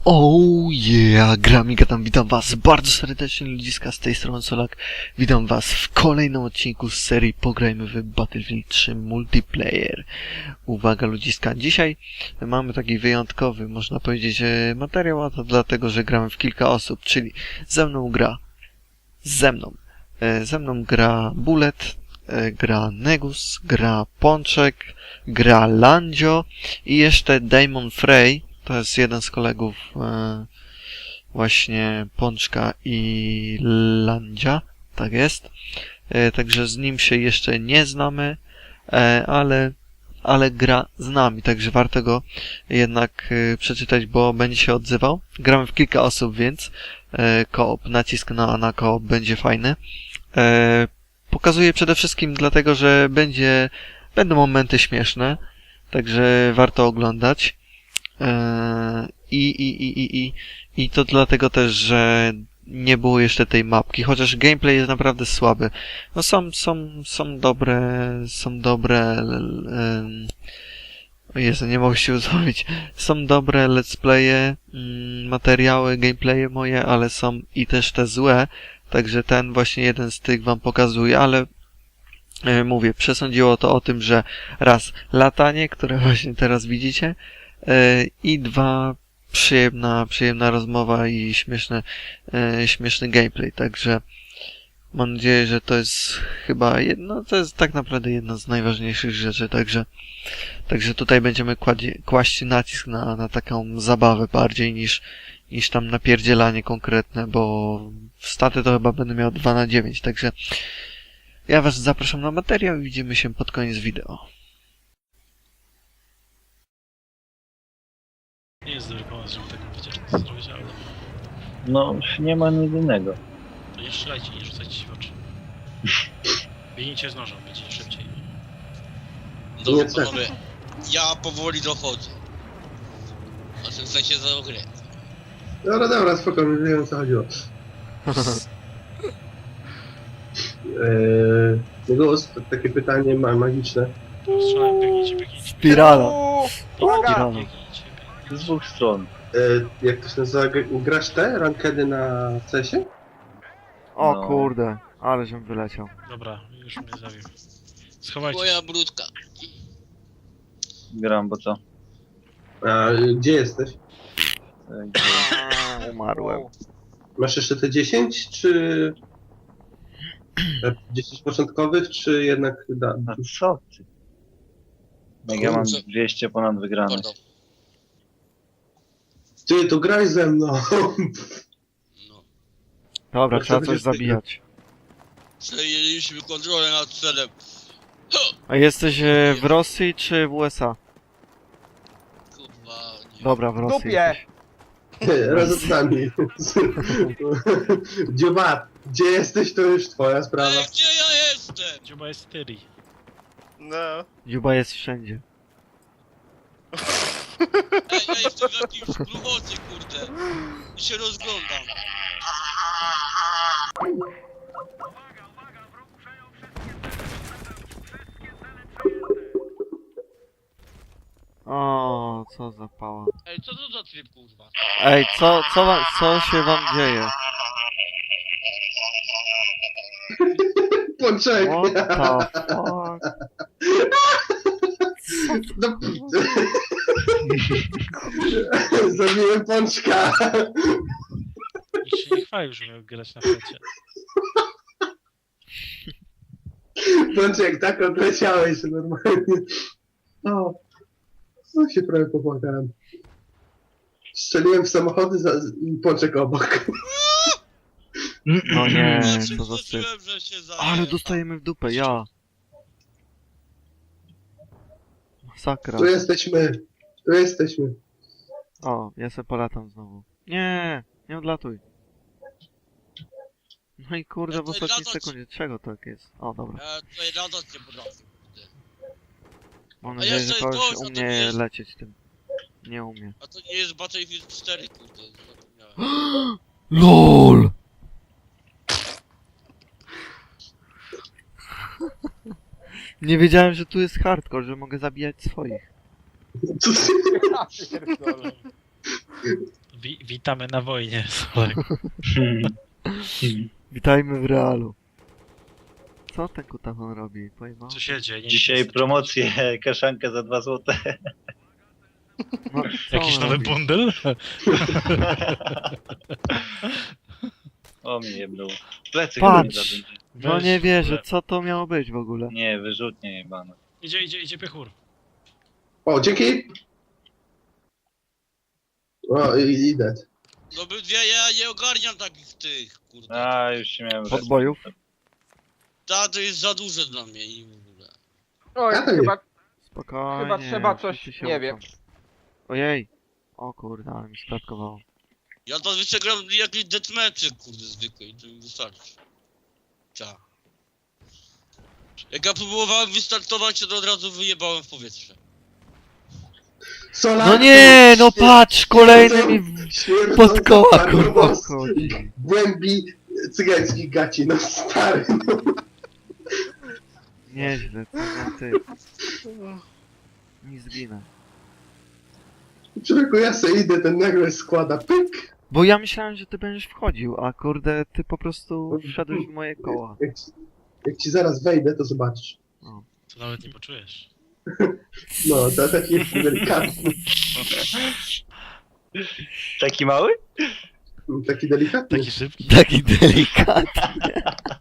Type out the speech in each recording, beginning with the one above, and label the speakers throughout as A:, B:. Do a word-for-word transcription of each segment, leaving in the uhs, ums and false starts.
A: Oh yeah, Gramika tam, witam was bardzo serdecznie, ludziska, z tej strony Solak. Witam was w kolejnym odcinku z serii Pograjmy w Battlefield trzy Multiplayer. Uwaga ludziska, dzisiaj mamy taki wyjątkowy, można powiedzieć, materiał, a to dlatego, że gramy w kilka osób, czyli ze mną gra, ze mną, ze mną gra Bullet, gra Negus, gra Pączek, gra Landzio i jeszcze Damon Frey. To jest jeden z kolegów e, właśnie Pączka i Landzia, tak jest. E, także z nim się jeszcze nie znamy, e, ale, ale gra z nami, także warto go jednak e, przeczytać, bo będzie się odzywał. Gramy w kilka osób, więc e, koop, nacisk na, na koop będzie fajny. E, pokazuję przede wszystkim dlatego, że będzie, będą momenty śmieszne, także warto oglądać. I, i, i, i, i, i to dlatego też, że nie było jeszcze tej mapki, chociaż gameplay jest naprawdę słaby. No są, są, są dobre, są dobre, um, o Jezu, nie mogę się uzmówić. Są dobre let's playe, um, materiały, gameplaye moje, ale są i też te złe, także ten właśnie jeden z tych wam pokazuję, ale e, mówię, przesądziło to o tym, że raz latanie, które właśnie teraz widzicie, i dwa, przyjemna, przyjemna rozmowa i śmieszny, e, śmieszny gameplay, także mam nadzieję, że to jest chyba jedno, to jest tak naprawdę jedna z najważniejszych rzeczy, także, także tutaj będziemy kładzie, kłaść nacisk na, na taką zabawę bardziej niż, niż tam napierdzielanie konkretne, bo w staty to chyba będę miał dwa na dziewięć, także ja was zapraszam na materiał i widzimy się pod koniec wideo.
B: Nie jest dobry pomysł, żeby taką wycieczkę zrobić, ale...
C: No, nie ma nic innego.
B: To nie strzelajcie, nie rzucajcie się w oczy. Biegnijcie z nożem, będzie szybciej.
D: Dobrze panowie, ja powoli dochodzę. O tym sensie za grę.
E: Dobra, dobra, spokojnie, wiem o co chodziło. Eee, Negus, takie pytanie ma magiczne.
B: To strzelaj, biegnijcie, biegnijcie.
A: Spirala.
B: Spirala.
A: Spirala.
B: Biegnijcie,
C: Z
B: biegnijcie.
C: dwóch stron.
E: Eee, jak to się nazywa? Grasz te rankedy na cesie?
A: O
C: No.
A: kurde, ale żem wyleciał.
B: Dobra, już mnie zabił. Schowajcie się.
D: Moja brudka.
C: Gram, bo co?
E: A gdzie jesteś?
C: Tak,
A: Umarłem.
E: Masz jeszcze te dziesięć, czy... te dziesięć początkowych, czy jednak... Da...
C: A co ty? Jak ja mam
D: Kurczę.
C: dwieście ponad wygranych.
D: Pardon.
E: Ty, to graj ze mną!
D: No.
A: Dobra,
E: Jak
A: trzeba
E: to
A: coś
E: będzie
A: zabijać.
D: Przejęliśmy kontrolę nad celem.
A: A jesteś e, w Rosji czy w U S A?
D: Kurwa, nie.
A: Dobra, w Rosji.
F: Dupie!
A: jesteś.
E: Razem z nami. Dziobat, gdzie jesteś, to już twoja sprawa.
D: Ej, gdzie ja jestem?
B: Dziuba jest tyri.
F: No.
A: Dziuba jest wszędzie.
D: Ej, ja jestem w jakimś gruchocie, kurde. I się rozglądam.
A: O, co za pała.
D: Ej, co to za tryb, kurwa?
A: Ej, co, co, wam, co się wam dzieje?
E: Pączek!
A: What the fuck?
E: No, zabiłem pączka!
B: Nikt się nie chwalił, że miał grać na flecie.
E: Pączek, tak odleciałeś normalnie. O, no się prawie popłakałem. Strzeliłem w samochody za, i pączek obok.
A: No nie,
D: Ja
A: co za syf.
D: przyzwyczaiłem, że się zajęłem.
A: Ale dostajemy w dupę, ja. Masakra.
E: Tu jesteśmy, tu jesteśmy.
A: O, ja se polatam znowu. Nie, nie odlatuj. No i kurde, w
D: Ja tutaj
A: ostatniej
D: latać-
A: sekundzie. Czego tak jest? O, dobra.
D: Ja tutaj latać nie potrafię.
A: Mam
D: A
A: nadzieję, że
D: jeszcze
A: kogoś
D: gość, a to
A: umie
D: nie jest-
A: lecieć tym. Nie umie.
D: A to nie jest Battlefield cztery, kurde. Zapomniałem.
A: LOL! Nie wiedziałem, że tu jest hardcore, że mogę zabijać swoich.
E: Co ty?
F: Ja pierdolę.
B: Wi Witamy na wojnie, Solek.
A: Witajmy w realu. Co ten kutafon robi? Pojma?
B: Co się dzieje? Nie
C: Dzisiaj
B: wiem, co-
C: promocję, kaszankę za dwa złote.
A: No, co
B: Jakiś
A: on
B: nowy
A: robi?
B: bundel?
C: O mnie jebnął. Plecy
A: Patrz!
C: chyba mi zabędzie.
A: No
B: Weź
A: nie
B: w
A: wierzę,
B: ogóle.
A: co to miało być w ogóle?
C: Nie, wyrzutnie jebana.
B: Idzie, idzie, idzie piechur.
E: O, dzięki! O, i- idę.
D: No by dwie, ja nie ogarniam takich tych, kurde.
C: A, już się miałem...
A: Podbojów?
D: Ta to jest za duże dla mnie i w ogóle.
F: Oj,
E: Ja to nie-
F: chyba,
A: Spokojnie.
F: chyba trzeba coś,
A: wszyscy się
F: nie
A: uczą.
F: wiem.
A: Ojej. O kurde, ale mi sprawkowało.
D: Ja to jeszcze gram jakieś deathmatchy, kurde, zwykłe i to mi wystarczy. Cia. Jak ja próbowałem wystartować, to od razu wyjebałem w powietrze.
E: Solar,
A: No nie, no patrz, kolejny mi w-
E: Śmierdząca
A: pod koła kurwa
E: farmos
A: wchodzi.
E: w głębi cygańskich gaci, no stary, no.
A: Nieźle, co za ty. Nie zginę.
E: Człowieku, ja se idę, ten nagle składa, pyk.
A: Bo ja myślałem, że ty będziesz wchodził, a kurde, ty po prostu wszedłeś w moje koła.
E: Jak ci, jak ci zaraz wejdę, to zobaczysz.
B: To nawet nie poczujesz.
E: No, to taki jest delikatny,
C: Taki mały?
E: taki delikatny.
B: Taki szybki.
A: Taki delikatny.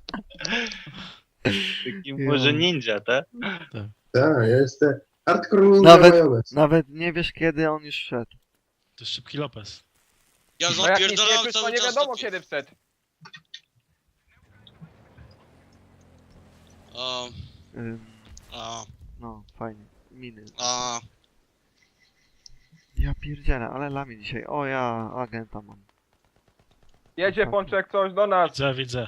C: Taki
A: Ja.
C: może ninja, tak?
E: Tak, ja jestem hardcore ninja
A: Nawet-
E: majonez.
A: Nawet nie wiesz kiedy on już szedł.
B: To jest szybki Lopez.
D: Ja
F: No jak nic nie
D: zapierdalam
F: czuć, to
D: cały
F: nie
D: czas
F: wiadomo
D: do...
F: kiedy wszedł.
D: A,
A: Ym,
D: a,
A: no, fajnie. Miny.
D: a...
A: Ja pierdzielę, ale lami dzisiaj. O ja, agenta mam.
F: Jedzie Pączek coś do nas.
B: Widzę, widzę.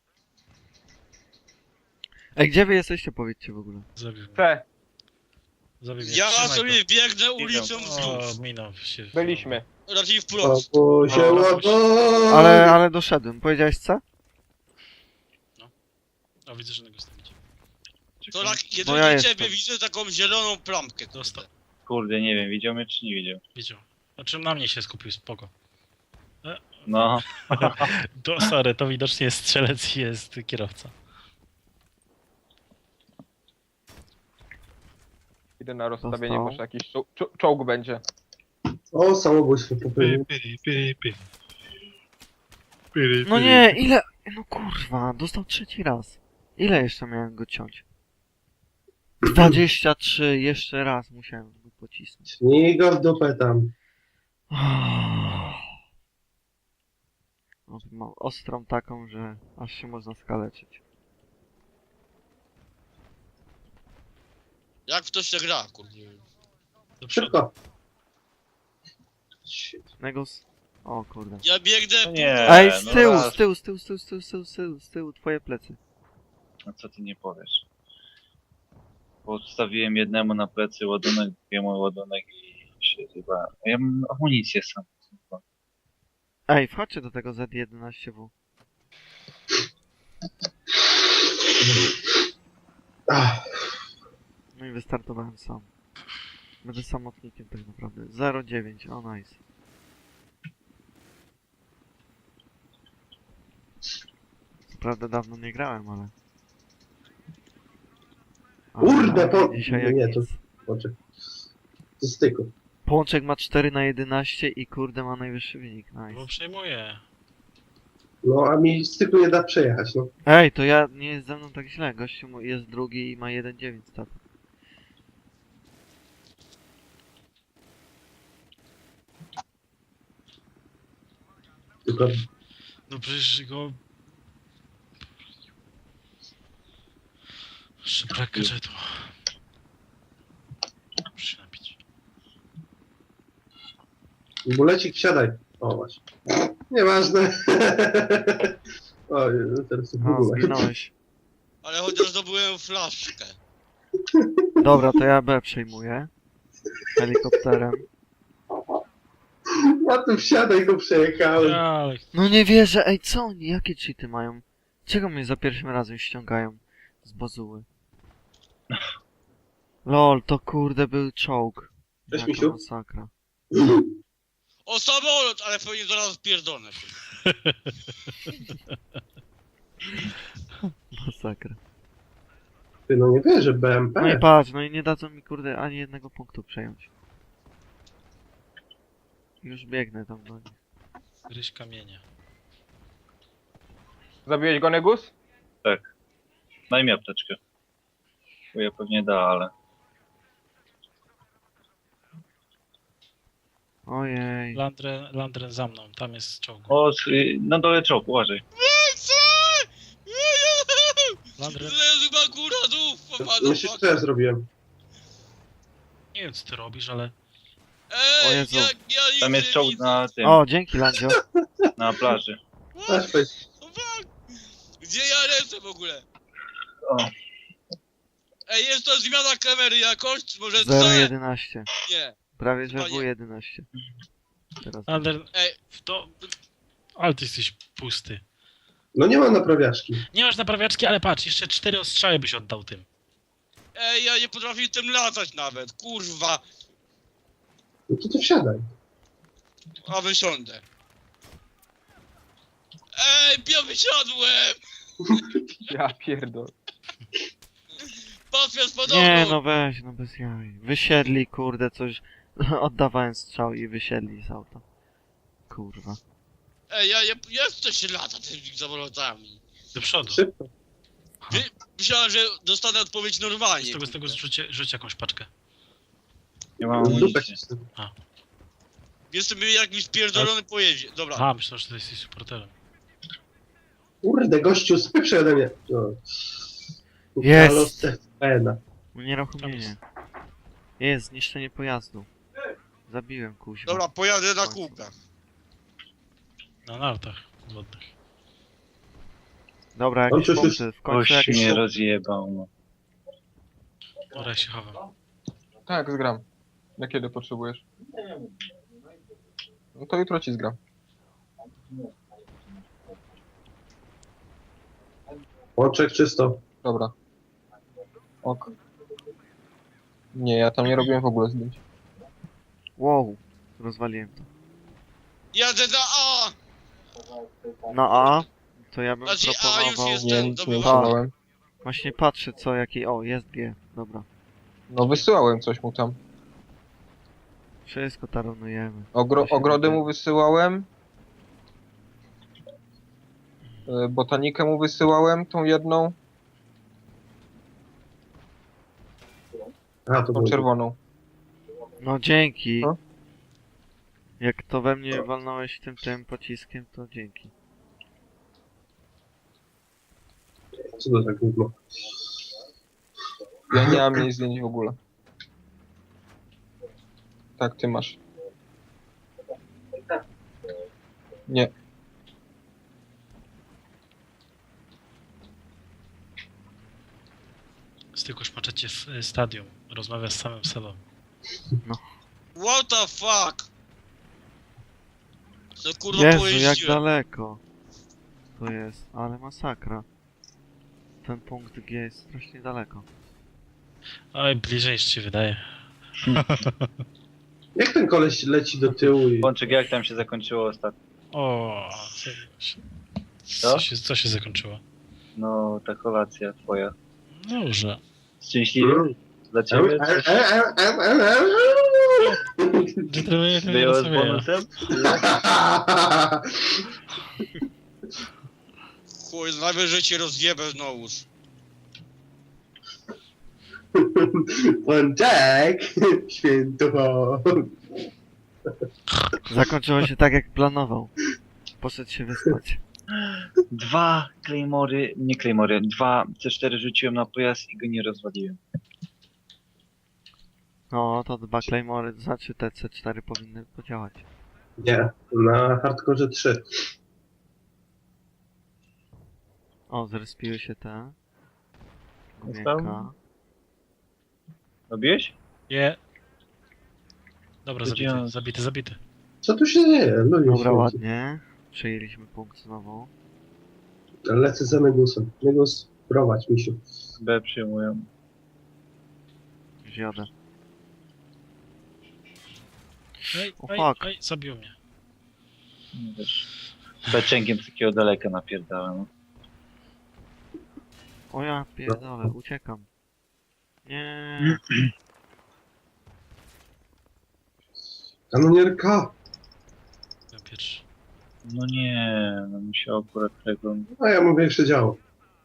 A: Ej, gdzie wy jesteście, powiedzcie w ogóle?
B: Zabił mnie.
F: C.
B: Zabił mnie.
D: Ja
B: Trzymaj
D: sobie
B: go.
D: biegnę ulicą
B: O,
D: wzdłuż.
B: minął się.
F: Byliśmy.
D: Raczej
E: O,
D: wprost.
E: bo się
B: O,
E: łago.
A: Ale, ale doszedłem. Powiedziałeś co?
B: O, widzę, że na go stąd.
D: To tak,
A: No
D: jedynie
A: ja
D: ciebie
A: jestem.
D: widzę taką zieloną plamkę.
B: Dostał.
D: Kurde.
C: Kurde, nie wiem, widział mnie czy nie widział.
B: Widział. Znaczy na mnie się skupił, spoko.
C: No,
B: To sorry, to widocznie jest strzelec i jest kierowca.
F: Idę na rozstawienie,
A: Dostał.
F: może jakiś czo czo czołg będzie.
E: O, samobójstwo popełnił.
A: No nie, ile... No kurwa, dostał trzeci raz. Ile jeszcze miałem go ciąć? dwadzieścia trzy, jeszcze raz musiałem go pocisnąć.
E: Śnij go w dupę tam.
A: No, mam ostrą taką, że aż się można skaleczyć.
D: Jak w to się gra, kurde.
B: Do przodu.
E: Szybko.
A: Negos... O kurde.
D: Ja biegnę...
C: No nie.
A: Ej, z
C: no
A: tyłu,
C: raz.
A: z tyłu, z tyłu, z tyłu, z tyłu, z tyłu, z tyłu, z tyłu, twoje plecy.
C: No co ty nie powiesz? Podstawiłem jednemu na plecy ładunek, drugiemu ładunek i się zjebałem. A ja mam amunicję sam.
A: Ej, wchodźcie do tego Z jedenaście W.
E: Ach,
A: No i wystartowałem sam. Będę samotnikiem tak naprawdę. zero dziewięć, o nice. Co prawda dawno nie grałem, ale... ale
E: Kurde, po-
A: dzisiaj jak
E: nie,
A: nic.
E: to- Poczek. To styku.
A: Pączek ma cztery na jedenaście i kurde ma najwyższy wynik,
B: Bo
A: nice.
B: przejmuję.
E: No, a mi styku nie da przejechać, no.
A: Ej, to ja, nie jest ze mną tak źle, gościu mu- jest drugi i ma jeden dziewięć stat.
E: Tylko
B: No przecież go... Jeszcze brak gadżetu. Muszę się napić.
E: bulecik, siadaj. O, właśnie. Nieważne. O, teraz w
A: No,
E: ogóle.
A: zginąłeś.
D: Ale chociaż zdobyłem flaszkę.
A: Dobra, to ja B przejmuję. Helikopterem.
E: Ja tu wsiadaj, go przejechałem.
B: Ale
A: No nie wierzę, ej co oni, jakie cheaty mają? Czego mnie za pierwszym razem ściągają z bazuły? Lol, to kurde był czołg.
E: Cześć,
A: Jaka
E: misiu.
A: masakra.
D: O samolot, ale pewnie zaraz pierdolę.
A: Masakra.
E: Ty, no nie wierzę, B M P.
A: No i patrz, no i nie dadzą mi kurde ani jednego punktu przejąć. Już biegnę tam do nich.
B: Gryź kamienia.
F: Zabiłeś go, Negus?
C: Daj mi apteczkę. Bo ja pewnie da, ale...
A: Ojej.
B: Landren, Landren za mną, tam jest czołg.
C: O, s- y, na dole czołg, uważaj.
B: Landren,
D: Leży akuratów,
E: Myślisz, co ja zrobiłem?
B: nie wiem co ty robisz, ale...
A: O
D: Ej,
A: Jezu.
D: jak ja nic
C: Tam jest
D: nie
C: czołg
D: widzę.
C: na tym,
A: O, dzięki Landzio.
C: na plaży.
E: Weź, weź.
D: O fuck! Gdzie ja lecę w ogóle?
C: O,
D: Ej, jest to zmiana kamery jakoś? Czy może
A: zero
D: co?
A: jedenaście.
D: Nie.
A: Prawie że
D: Panie.
A: W jedenaście. Teraz.
B: Landren,
D: Ej,
B: w to... Ale ty jesteś pusty.
E: No nie ma naprawiaczki.
B: Nie masz naprawiaczki, ale patrz, jeszcze cztery ostrzały byś oddał tym.
D: ej, ja nie potrafię tym latać nawet, kurwa.
E: No to ty wsiadaj.
D: A wysiądę. Ej, ja wysiadłem!
F: Ja pierdol.
D: Patria spadową!
A: Nie no weź, no bez jaj. Wysiedli kurde coś. Oddawałem strzał i wysiedli z auta. Kurwa.
D: Ej, ja, ja, ja chcę się lata tymi samolotami.
B: Do przodu.
E: Szybko.
D: Myślałem, że dostanę odpowiedź normalnie.
B: Z tego, z tego
D: kurde.
B: rzuć, rzuć jakąś paczkę.
C: nie mam
E: Dupę
C: amunicji.
E: cisnę.
D: Jestem jakimś pierdolony pojeździe. Dobra.
B: A, myślałem, że ty jesteś supporterem.
E: Kurde, gościu, spyprze ode mnie. No.
A: Jest.
E: Halo, Stefana.
A: Unieruchomienie. Jest, zniszczenie pojazdu. Zabiłem kuźwa.
D: Dobra, pojadę na kółkach.
B: Na nartach wodnych.
A: Dobra,
E: On
A: jakieś
E: coś już-
A: punkty. W końcu
C: Oś
A: jakieś
C: mnie
A: punkty.
C: rozjebał, no.
B: Dobra, ja się chowam.
F: Tak, zgram. Na kiedy potrzebujesz? No to jutro ci zgram.
E: Łączek czysto.
F: Dobra. Ok. Nie, ja tam nie robiłem w ogóle zdjęć.
A: Wow. Rozwaliłem to.
D: Jadę na A!
A: Na A. To ja bym
D: Znaczy, A już
A: proponował...
D: jest.
F: Nie,
D: Ten
F: nic nie
D: zdobywam.
F: wysyłałem.
A: Właśnie patrzę co, jaki... O, jest G. Dobra.
F: No wysyłałem coś mu tam.
A: Wszystko taronujemy.
F: Ogro
A: To się
F: ogrody
A: robi.
F: mu wysyłałem. Y, Botanikę mu wysyłałem, tą jedną,
E: A, to
F: tą
E: było.
F: czerwoną.
A: No dzięki.
F: Co?
A: Jak to we mnie walnąłeś tym tym pociskiem, to dzięki.
E: Co to za gówno?
F: Ja nie mam jej zdjęć w ogóle. Tak, ty masz. Nie.
B: Styku szmaczecie w y, stadium. Rozmawia z samym sobą.
D: What the fuck? Co kurwa
A: Jezu, jak
D: pojeździłem?
A: daleko. To jest, ale masakra. Ten punkt G jest strasznie daleko.
B: Oj, bliżej niż ci wydaje.
E: Jak ten koleś leci do tyłu i...
C: Pączek, jak tam się zakończyło ostatnio?
B: O, co,
C: Co?
B: co, się, co się zakończyło?
C: No, ta kolacja twoja.
B: Dobrze.
C: Szczęśliwy?
E: Mm.
C: Dla ciebie? Coś
B: Gentleman, to nie
C: było z
B: rozumieją.
C: bonusem?
D: Chuj, najwyżej cię rozjebę znowu.
E: Pączek! Święto!
A: Zakończyło się tak jak planował. Poszedł się wyspać.
C: Dwa Claymory, nie Claymory, dwa C cztery rzuciłem na pojazd i go nie rozwaliłem.
A: No, to dwa Claymory, to znaczy te C cztery powinny podziałać.
E: Nie, na hardkorze trzy.
A: O, zrespiły się te.
C: Jest
A: Gumienka.
C: tam? Robiłeś?
B: Nie. Dobra, zabity,
C: Wiedziałem.
B: zabity, zabity.
E: Co tu się dzieje? Ludzie
A: Dobra,
E: święci.
A: ładnie. Przejęliśmy punkt znowu.
E: Lecę za Negusem. Negus, prowadź, misiu.
C: B przyjmują.
A: Zjadę.
B: Ej,
A: O,
B: ej,
A: fuck.
B: ej, zabił mnie.
C: Nie wiesz. Beczęgiem z takiego daleka napierdałem.
A: O ja pierdolę, uciekam. Nie.
E: Kanonierka!
B: Ja pierwszy.
C: No nie, no musiał akurat tego...
E: A ja mam większe działo.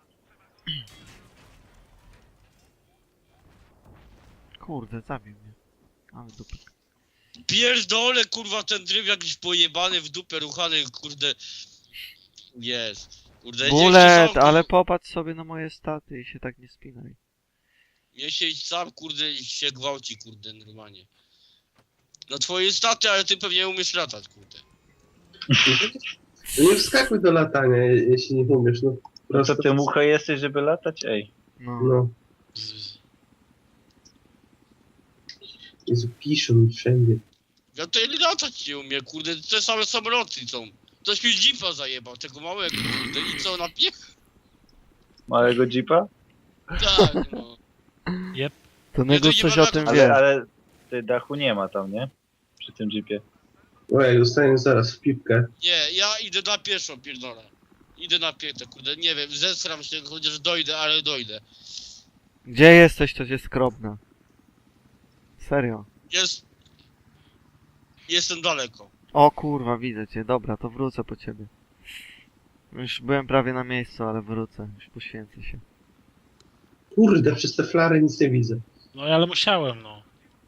A: Kurde, zabił mnie. Ale dupę.
D: Pierdolę, kurwa, ten tryb jakiś pojebany w dupę ruchany, kurde. Jest. Kurde, nie
A: Bullet,
D: sam,
A: ale popatrz sobie na moje staty i się tak nie spinaj.
D: Nie siedź sam, kurde, i się gwałci, kurde, normalnie. No twoje staty, ale ty pewnie umiesz latać, kurde.
E: Nie wskakuj do latania, je- jeśli nie umiesz. No,
C: No
E: prosto.
C: to ty mucha jesteś, żeby latać? Ej.
A: No.
E: No,
B: Z, z.
E: Jezu, piszą mi wszędzie.
D: Ja tutaj latać nie umiem, kurde, te same samoloty są. Ktoś mi jeepa zajebał, tego małego, kurde, i co, napie...
C: Małego jeepa?
D: Tak, no.
A: To
D: Nie,
A: Negus
D: to
A: coś
D: nie
A: o
D: ma
A: tym
D: na-
A: wie.
C: Ale, ale ty dachu nie ma tam, nie? Przy tym jeepie.
E: Ojej, dostaniesz zaraz w pipkę.
D: Nie, ja idę na pieszą, pierdolę. Idę na piętę, kurde, nie wiem, zesram się, chociaż dojdę, ale dojdę.
A: Gdzie jesteś, to cię skrobna. Serio.
D: Jest... Jestem daleko.
A: O kurwa, widzę cię. Dobra, to wrócę po ciebie. Już byłem prawie na miejscu, ale wrócę. Już poświęcę się.
E: Kurde, przez te flary nic nie widzę.
B: No ale musiałem, no.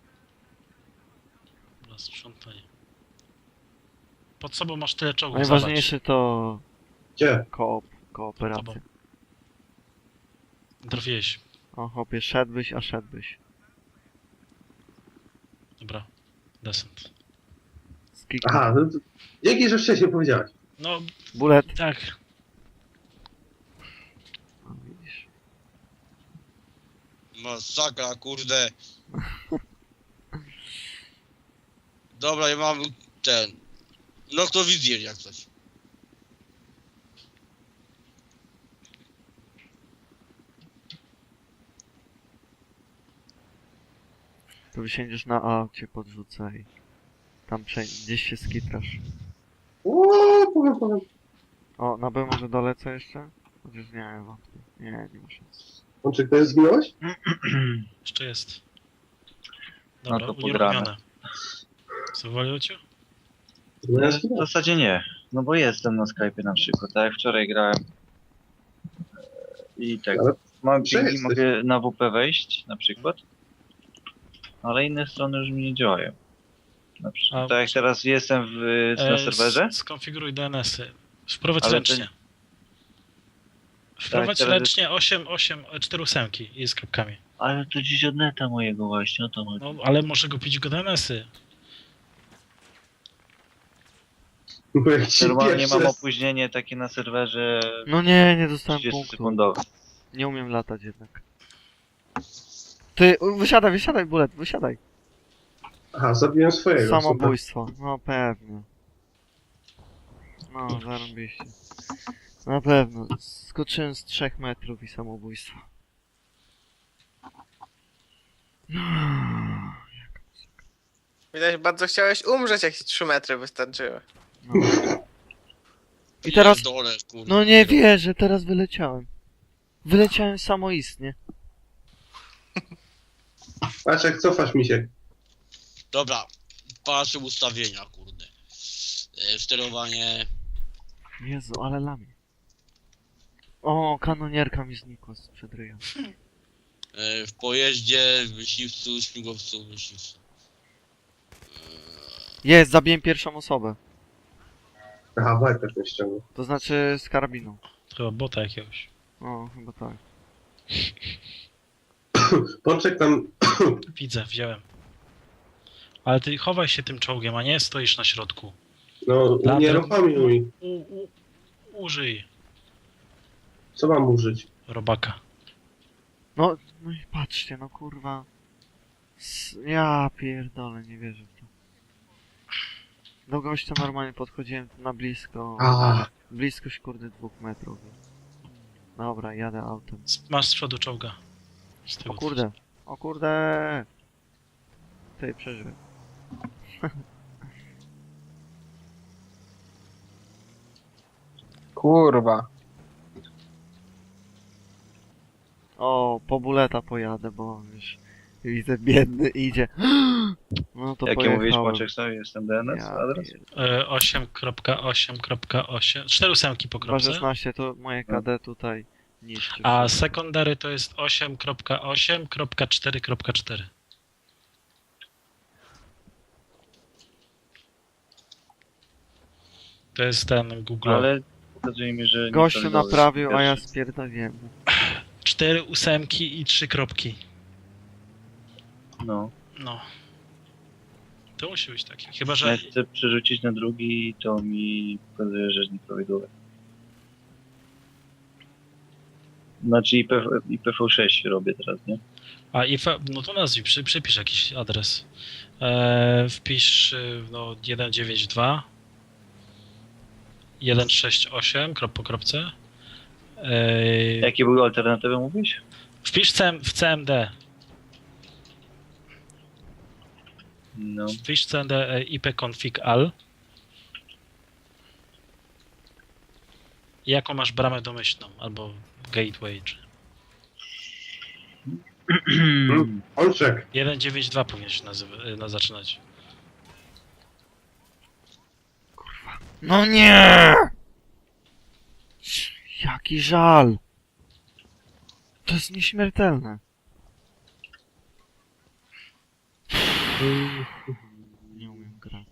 B: Na sprzątanie. Pod sobą masz tyle czołgów,
A: Najważniejsze to
E: Gdzie?
A: koop, kooperacja.
B: Tobą. Trafiłeś.
A: O chłopie, szedłbyś, a szedłbyś.
B: Dobra. Descent.
A: Skik.
E: Aha, no to... Dzięki, że wcześniej powiedziałeś.
B: No,
A: Bullet.
B: tak.
A: O, widzisz.
D: Masakra, kurde. Dobra, ja mam ten... Noktowizjer jak coś.
A: To wysiędziesz na A, cię podrzucę i tam prze... gdzieś się skitrasz.
E: O, powiem, powiem.
A: O, na B może dolecę jeszcze? Chociaż nie, wątpię. Nie, nie ma szans.
E: Łączyk, to jest zginąłeś?
B: Jeszcze jest.
C: No
B: Dobra,
C: to
B: unieruchomione.
C: podrane.
B: Zawaliło cię?
E: No ja
C: W
E: zginąłem.
C: zasadzie nie. No bo jestem na Skype'ie na przykład, tak jak wczoraj grałem. I tak.
E: Ale
C: Mam
E: gdzie
C: pingi,
E: jesteś?
C: mogę na W P wejść na przykład. Ale inne strony już mi nie działają. Na przykład,
B: A-
C: tak jak teraz jestem w, na
B: E,
C: serwerze.
B: s- Skonfiguruj D N S-y. Wprowadź
C: Ale to-
B: ręcznie. Wprowadź
C: teraz
B: ręcznie osiem, osiem, cztery ósemki i z kapkami.
C: Ale to dziś od neta mojego właśnie, o to chodzi.
B: No, ale może kupić go D N S-y.
E: Bo jak ci
C: Normalnie
E: pierwszy
C: mam
E: raz...
C: opóźnienie takie na serwerze
A: No nie, nie dostałem
C: trzydzieści
A: punktu.
C: sekundowe.
A: Nie umiem latać jednak. Ty, u, wysiadaj, wysiadaj, Bullet, wysiadaj.
E: Aha, zabiłem swojego. super.
A: Samobójstwo, no pewnie. No, zarąbiście. Na pewno. Skoczyłem z trzech metrów i samobójstwo.
G: Widać, bardzo chciałeś umrzeć, jak ci trzy metry wystarczyły.
A: No. I teraz...
D: Pierdolę, kurde.
A: No nie wierzę, teraz wyleciałem. Wyleciałem samoistnie.
E: Patrz, jak cofasz mi się.
D: Dobra, patrzę ustawienia, kurde. E, sterowanie...
A: Jezu, ale lamię. O, kanonierka mi znikła sprzed ryja.
D: E, w pojeździe, w myśliwcu, śmigłowcu, myśliwcu.
A: Jest, zabiłem pierwszą osobę.
E: Aha, Viper mnie ściągnął.
A: To znaczy z karabiną.
B: Chyba bota jakiegoś.
A: O, chyba tak.
E: Pączek tam...
B: Widzę, wziąłem. Ale ty chowaj się tym czołgiem, a nie stoisz na środku.
E: No,
B: Latem-
E: unieruchomił mi.
B: U, u, użyj
E: Co mam użyć?
B: robaka.
A: No, no i patrzcie, no kurwa. S ja pierdolę, nie wierzę w to. Do gościa normalnie podchodziłem na blisko.
E: A,
A: Bliskość kurde dwóch metrów. Dobra, jadę autem.
B: Z- Masz z przodu czołga. Z tyłu
A: O kurde, o kurde. Ty, przeżyłem.
F: Kurwa.
A: O, po buleta pojadę, bo już widzę biedny idzie. No to
C: Jakie
A: pojechałem.
C: mówisz, Płaczek sobie? Jestem D N S
A: Ja
C: adres?
A: pier-
B: E, osiem kropka osiem kropka osiem. Cztery ósemki po
A: dwa
B: kropce.
A: szesnaście to moje K D tutaj niszczy.
B: A
A: wszystko.
B: secondary to jest osiem kropka osiem kropka cztery kropka cztery. To jest ten Google.
C: Ale pokazuje mi, że...
A: Gościu
C: nieprawidłowy
A: naprawił, a ja
C: pierwszy.
A: spierdoliłem.
B: Cztery ósemki i trzy kropki.
C: No.
B: No. To musi być takie. Chyba, że
C: Jak chcę przerzucić na drugi, to mi pokazuje, że jest nieprawidłowe. Znaczy I P, I P v sześć robię teraz, nie?
B: A I F, no to nazwij, przy, przypisz jakiś adres. E, wpisz y, no, sto dziewięćdziesiąt dwa sto sześćdziesiąt osiem krop po kropce. E,
C: Jakie były alternatywy, mówisz?
B: wpisz C M, w C M D.
C: No.
B: Wpisz C M D e, ipconfig al. I jaką masz bramę domyślną albo gateway. Czy...
E: Olczek,
B: sto dziewięćdziesiąt dwa powinien się nazywa, y, na zaczynać.
A: No nie! Jaki żal! To jest nieśmiertelne. Nie umiem grać.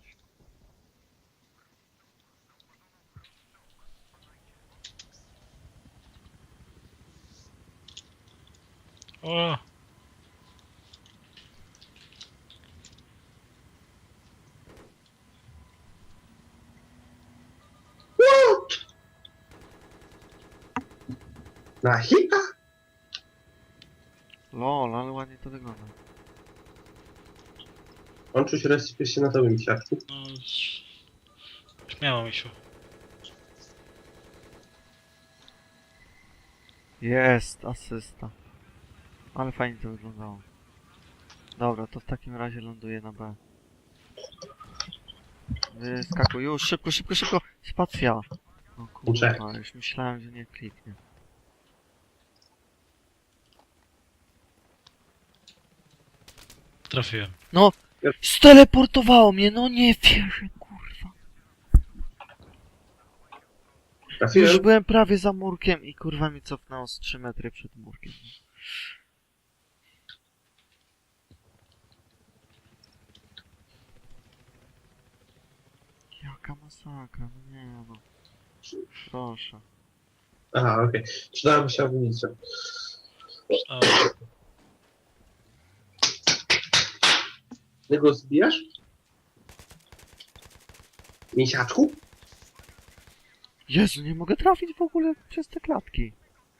B: O!
E: na hita?
A: Lol, ale ładnie to wygląda.
E: On czuć resypie się na tobie, misiaczku.
B: No, śmiało mi się.
A: Jest, asysta. Ale fajnie to wyglądało. Dobra, to w takim razie ląduję na B. Wyskakuj, już, szybko, szybko, szybko! Spacja! O kurwa, już myślałem, że nie kliknie.
B: Trafiłem.
A: No! Steleportowało mnie, no nie wierzę, kurwa. Już
E: Trafiłem.
A: byłem prawie za murkiem i kurwa mi cofnęło z trzy metry przed murkiem. Jaka masakra, no nie no. Proszę.
E: Aha, okej. Przydała mi się amunicja.
B: O,
E: Ty go zbijasz? Misiaczku?
A: Jezu, nie mogę trafić w ogóle przez te klatki.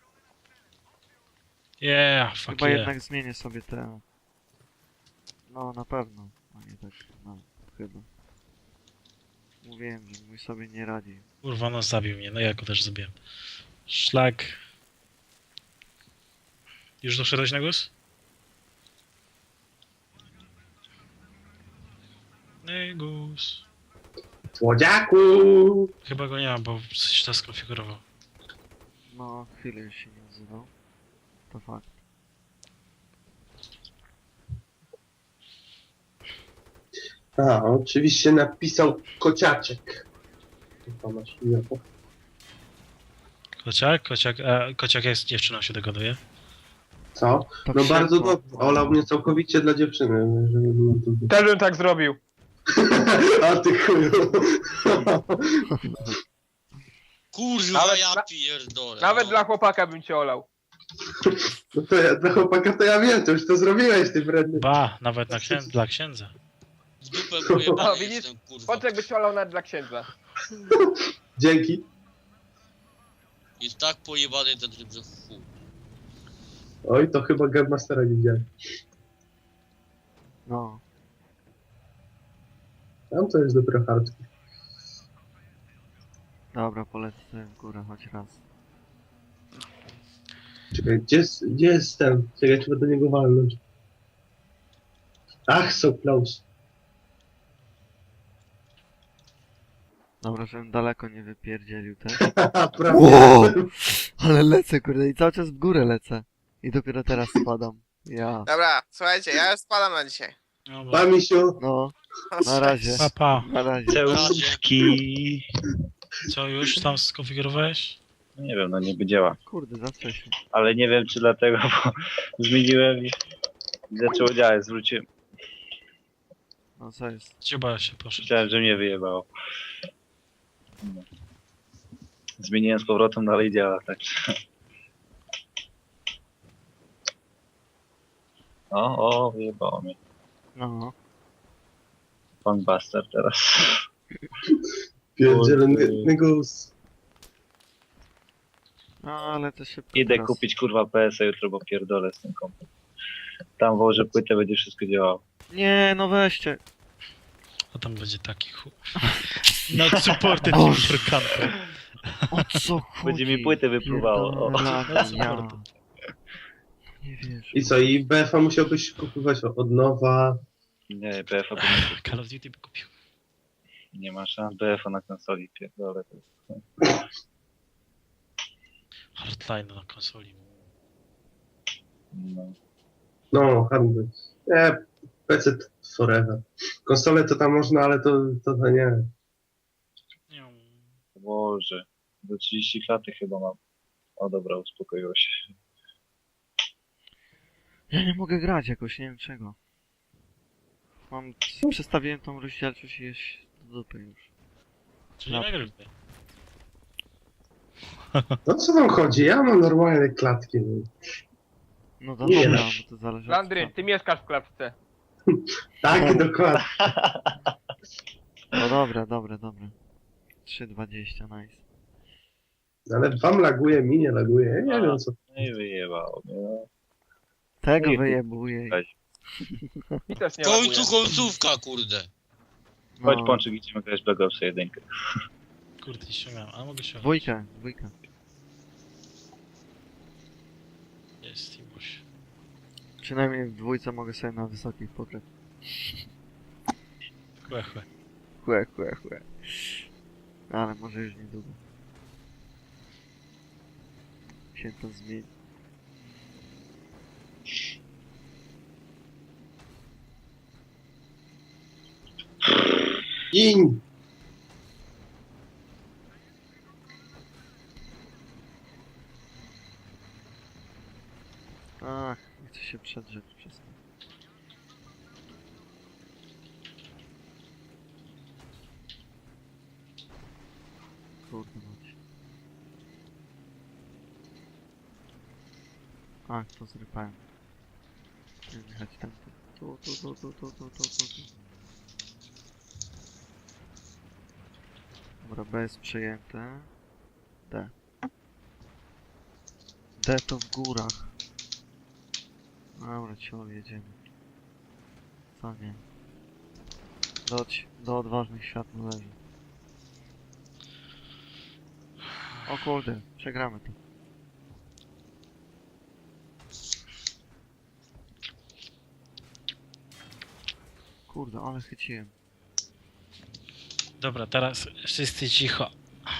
B: yeah, fuck
A: Chyba
B: yeah.
A: jednak zmienię sobie te... No, na pewno. A nie tak, no, chyba. Mówiłem, że mój sobie nie radzi.
B: Kurwa, no zabił mnie, no ja go też zabiłem. Szlak. Już doszedłeś na głos? Negus.
E: Słodziaku!
B: Chyba go nie mam, bo coś to skonfigurował.
A: No, chwilę już się nie odzywał. To fakt.
E: A, oczywiście napisał kociaczek. To masz imię.
B: Kociak? Kociak, a kociak jest dziewczyną się dogaduje.
E: Co?
A: Tak
E: No
A: szybko.
E: bardzo dobrze. Olał mnie całkowicie dla dziewczyny. Żeby było tu...
F: Też bym tak zrobił.
E: A ty chuju.
D: Kurwa,
F: Nawet
D: ja
F: na-
D: pierdolę.
F: Nawet
D: no.
F: dla chłopaka bym cię olał.
E: No to ja, dla chłopaka to ja wiem, to już to zrobiłeś, ty wredny.
B: Ba, nawet na księ... dla księdza.
D: W dupę pojebany
F: O, widzisz?
D: jestem, kurwa.
F: Pączek by cię olał nawet dla księdza.
E: Dzięki.
D: Jest tak pojebany ten tryb, że fu.
E: Oj, to chyba Gunmastera nie widziałem.
A: No.
E: Tam to jest dopiero hardcore.
A: Dobra, polecę sobie w górę choć raz.
E: Czekaj, gdzie jest, gdzie jest ten? Czekaj, trzeba do niego walnąć. Ach, so close.
A: Dobra, żebym daleko nie wypierdzielił też.
E: Prawie.
A: Wow! Ale lecę, kurde, i cały czas w górę lecę. I dopiero teraz spadam. Ja.
G: Dobra, słuchajcie, ja już spadam na dzisiaj.
B: No,
E: Pa, misiu.
A: No, na razie.
B: pa, pa.
A: Na razie.
C: Cełuszki.
B: Co, już tam skonfigurowałeś?
C: No nie wiem, no niby działa.
A: Kurde, za wcześnie.
C: Ale nie wiem czy dlatego, bo zmieniłem i zaczęło działać, zwróciłem.
A: No co jest?
B: Dziuba się poszedł.
C: Myślałem, że mnie wyjebało. No. Zmieniłem z powrotem, dalej działa, tak. O, o, wyjebało mnie.
A: No.
C: Funkbuster teraz.
E: Pierdzielony gus.
A: No, ale to się
C: Idę
A: teraz-
C: kupić kurwa P S a jutro, bo pierdolę z tym kompem. Tam włożę płytę, będzie wszystko działało.
A: Nie, no weźcie.
B: A tam będzie taki chu... No supported
A: Boże.
B: for camper.
A: O co chodzi?
C: Będzie mi płytę wypluwało. O.
A: Pierdolę,
B: No, co
A: ja.
B: bardzo.
A: Nie wiesz.
E: I co, i B F a musiałbyś kupować od nowa.
C: Nie, B F a nie,
B: Call of Duty by kupił.
C: nie ma szans. B F a na konsoli, pierdolę.
B: Hardline na konsoli.
C: No.
E: No, handel. Nie, P C forever. Konsole to tam można, ale to, to, to nie.
B: Nie.
C: Boże, do trzydzieści klaty chyba mam. O dobra, uspokoiło się.
A: Ja nie mogę grać jakoś, nie wiem czego. Mam... Przestawiłem tą rozdzielczość i jest do dupy już.
B: Czyli
A: No.
B: nie nagrywaj.
E: No co tam chodzi? Ja mam normalne klatki.
A: No to
E: Nie.
A: dobra, bo to zależy od
F: Landry,
A: co.
F: ty mieszkasz w klatce.
E: Tak, dokładnie.
A: No dobra, dobra, dobra. trzy dwadzieścia, nice.
E: Ale wam laguje, mi nie laguje. Ja nie wiem co.
C: No i wyjebało mnie. No.
A: Tego
C: Nie,
A: wyjebuje.
C: Weź.
F: I też
D: W
F: nie
D: końcu
F: laguje.
D: końcówka, kurde.
C: Chodź
A: No,
C: Pączyk, idziemy grać Black Ops jeden.
B: Kurde, nie ściągałem, ale mogę się...
A: dwójkę, dwójkę.
B: Jest Timuś.
A: Przynajmniej w dwójce mogę sobie na wysokich pograć.
B: Chłe, chłe.
A: Chłe, chłe, chłe. Ale może już niedługo. Się to zmieni.
E: Iń!
A: Ach, nie chcę się przedrzeć przez to. Kurde mać. Ach, to zrypałem. Nie jechać tam. Tu, tu, tu, tu, tu, tu, tu, tu, tu. Dobra, B jest przejęte. D. D to w górach. Dobra, ciągle jedziemy. Co nie? Do, ci- do odważnych świat należy. O kurde, przegramy to. Kurde, ale chyciłem.
B: Dobra, teraz wszyscy cicho.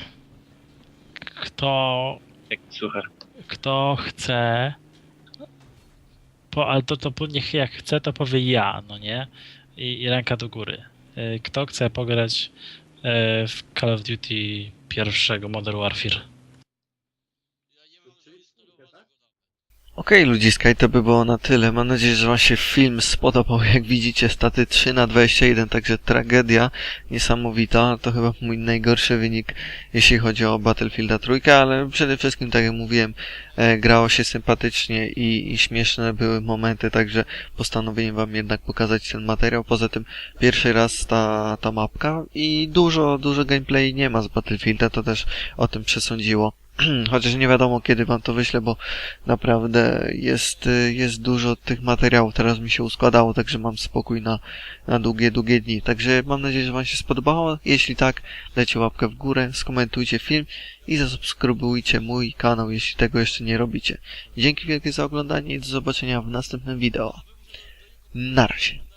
B: Kto...
C: Jak słuchasz?
B: Kto chce... Po, ale to, to po- niech jak chce, to powie ja, no nie? I, i ręka do góry. Y, Kto chce pograć y, w Call of Duty pierwszego Modern Warfare?
D: Ja nie mam zainstalowanego.
A: Okej ludziska, i to by było na tyle. Mam nadzieję, że wam się film spodobał. Jak widzicie, staty trzy na dwadzieścia jeden, także tragedia niesamowita. To chyba mój najgorszy wynik, jeśli chodzi o Battlefielda trójkę, ale przede wszystkim, tak jak mówiłem, e, grało się sympatycznie i, i śmieszne były momenty, także postanowiłem wam jednak pokazać ten materiał. Poza tym pierwszy raz ta, ta mapka i dużo, dużo gameplay nie ma z Battlefielda, to też o tym przesądziło. Chociaż nie wiadomo kiedy wam to wyślę, bo naprawdę jest, y, jest dużo tych materiałów, teraz mi się uskładało, także mam spokój na, na długie, długie dni. Także mam nadzieję, że wam się spodobało. Jeśli tak, dajcie łapkę w górę, skomentujcie film i zasubskrybujcie mój kanał, jeśli tego jeszcze nie robicie. Dzięki wielkie za oglądanie i do zobaczenia w następnym wideo. Na razie.